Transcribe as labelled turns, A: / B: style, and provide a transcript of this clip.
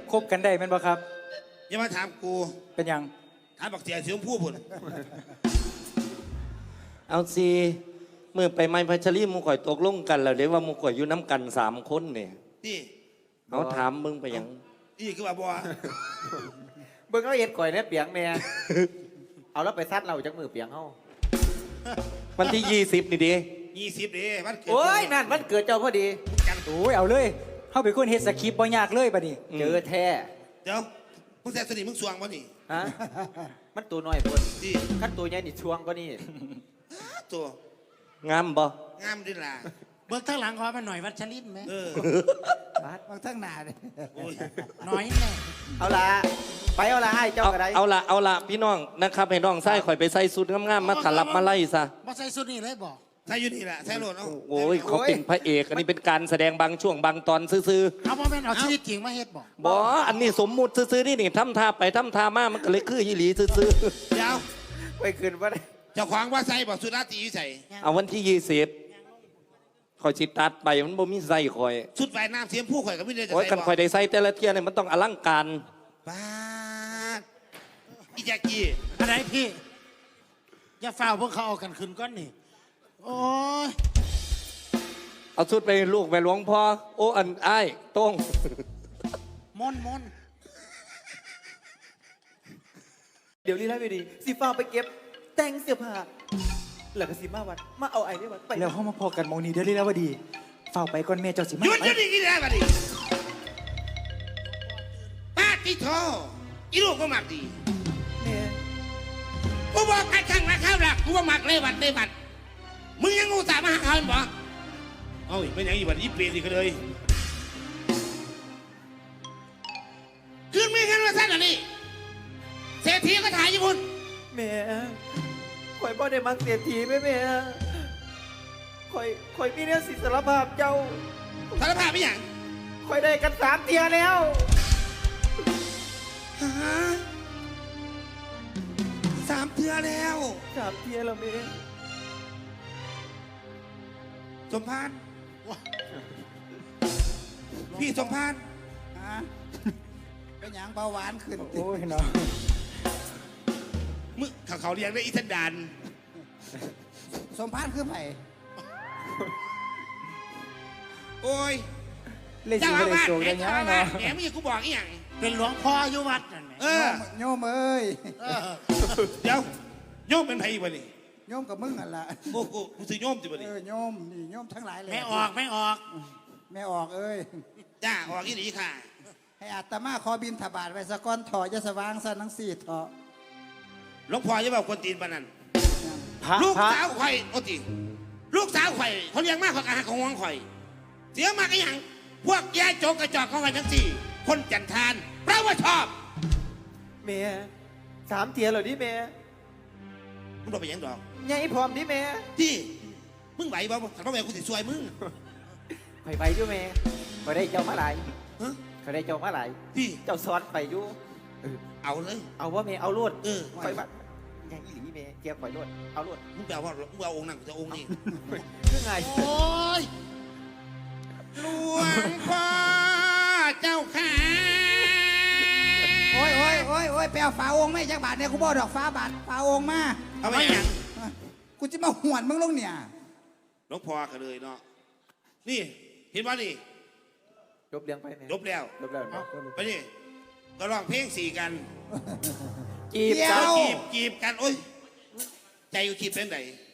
A: คบกันได้แม่นบ่ครับ
B: อย่ามาถามกู
A: เป็นยัง
B: ถามบักเสียเสียงผู้พุ่น
C: เอาสิเมื่อไปไม้พัชรีมูข่อยตกลงกันแล้วเดี๋ยวว่ามูข่อยอยู่น้ำกัน3 คนเนี่ย
B: นี่
C: เอาถามมึงไปยัง
B: นี่คือว่าบัว
D: เบิ่งเขาเอ็ดก่อยเนี่ยเปียงแม่เอาแล้วไปซัดเราจากมือเปียงเขา
C: วันที่20นี่ดิ
B: 20ดิมันเกิด
D: โอ้ยนั่นมันเกิดเจ้าพอดี
A: โอ้ยเอาเลยเข้าไปคนเฮ็ดสคริปต์บ่ยากเลยบัดนี้
D: เจอแท้
B: เดี๋ยวมึงแซ่สนิทมึงสวงวะนี่
D: ฮะมันตัวน้อยพุ่น
B: ดิ
D: ขั้นตัวใหญ่นี่ช่วงก็นี่
B: ตัว
C: งามบ่
B: งามดิล่ะ
E: เบิกทั้งหลังขอมาหน่อยวัชรินไหม
D: บา
E: เบิกทั้งหน้าเลย
B: ห
E: น่อยแน่
D: เอาละไปเอาละให้เจ้าอะไร
C: เอาละพี่น้องนะครับให้น้องไส้ข่อยไปใส่สุดงามๆมาถลับมาไล่ซะ
E: มาใส่สุดนี่เลยบอก
B: ใส่อยู่นี่แหละใส่โหลดเอา
C: โอ้ยเขาเป็นพระเอกอันนี้เป็นการแสดงบางช่วงบางตอนซื่อ
E: ๆเอาพ่อแม่เอาชีวิตจริงมาเฮ็ดบอก
C: บ่อันนี้สมมุติซื่อๆนี่ทำท่าไปทำท่ามามันก็เลยคือยี่หลีซื่อ
B: เดี๋ยว
D: ไปคืนว่า
B: เจ้าขวางว่าใส่บอกสุดาตีใส่
C: เอาวันที่20ข่อยสิตัดไปมันบ่มีใส่ข่อย
B: ชุดว่ายน้ำเสียมผู้ข่อยก็ไม่ได้จะ
C: โอ้ยกันข่อยได้ใส่แต่ละเที่ยเนี่ยมันต้องอลังการ
B: บ้าอีแจ็กกี้
E: อะไรพี่อย่าฝ่าพวกเขาเอากันคืนก้อนนี่โอ้ย
C: เอาชุดไปลูกไปหลวงพ่อโอ้อันอ้ายต้ง
E: มน
D: เดี๋ยวนี้ไล่ไปดีสิฟ้าไปเก็บแต่งเสื้อผ้าแล้วก็สิมาวัดมาเอาไอ้นี่วัดไป
A: แล้วเฮามาพอกันมองนี้เดี๋ยวนี้แล้วว่าดีเฝ้าไปก่อนแม่เจ้าสิมา
B: หยุดนี่กินได้ป่ะดิป้าติโทอีลูกก็มักดี
D: เนี่ย
B: กูบอกใครข้างนะข้าวหลักกูว่ามักเลยวัดมึงยังงูสามาหาเขาบ่เอ้ยไม่ยังอีบัดยี่เปลี่ยนอีกเลยคืนมีแค่ว่าสั้นอันนี้เศรษฐีก็ถ่ายญี่ปุ่น
D: แม่ข่อยบ่ได้มักเสียทีแม่ข่อยมีเนี่ยสิสารภาพเจ้า
B: สารภาพไม่อย่าง
D: ข่อยได้กัน3 เทียแล้ว
B: ฮะ3 เทื่อแล้ว
D: 3 เทียแล้วแม่
B: สมพานพี่สมพาน
E: เป็นอย่างเบาหวานขึ้น
A: โอ้ยเนาะ
B: มึงเขาเรียกได้อีสันดาน
E: สมพานคือไผ่
B: โอ้ย
A: เจ้าอาวาสแหม
B: แหมมีกูบอกอีหยัง
E: เป็นหลวงพ่ออยู่วัดนั่นไหม
A: โยมเอ้ย
B: เดี๋ยวโยมเป็นไผ่บ่นี่
A: โยมกับมึงนั่นแหละ
B: โอ้โหกูสิโยมจิบ่นี่
A: โยมนี่โยมทั้งหลายเลย
E: ไม่ออกแม่ออก
A: เอ้ย
B: จ้าออกอีหลีค่ะ
A: ให้อาตมาขอบินถบาทไว้สะก้อนถอยะสว่างสันทั้ง4 ถอ
B: หลวงพ่อจะบอกคนตีนปานนั้นลูกสาวข่อยโอ้ติลูกสาวข่อยเขาเลี้ยงมากกว่าการของห่วงข่อยเสียมากอย่างพวกแย่โจกกระจอกของกันทั้ง4คนจันทานเพราะว่าชอบ
D: แม่3 เทียเหรอดิแม่
B: มึงโดนไปยังดอก
D: ใหญ่พร้อมดิแม่
B: ที่มึงไหวบ่ถ้าบ่ไหวกูสิซวยมึง
D: ไปอยู่แม่ข่อยได้เจ้ามาหลายข่อยได้เจ้ามาหลาย
B: พี่
D: เจ้าซ้อนไปอยู่
B: เอาเลย
D: เอาว่าแม่เอาลวดข่อยบัดใหญ่อีหลีแม่เกียร์ข่อยลวดเอาลวด
B: มึงแปลว่ามึงเอาองค์นั่งจะองค์นี้
D: คือไง
E: โอ้ย
B: หลวงพ่อเจ้าขา
A: โอ้ยไปเอาฝาองค์ไม่จักบาทเนี่ยกูบอกดอกฟ้าบาทฝาองค์มา
B: เอาไปยัง
A: กูจะมาหวนมึงลงเนี่ย
B: หลวงพ่อกันเลยเนาะนี่เห็นว่านี่
D: จบเลี้ยงไป
B: จบแล้วไปนี่ก็ร้องเพลง4กัน
D: จีบ
B: กันโอ้ยใจกูคิดเป็นไหน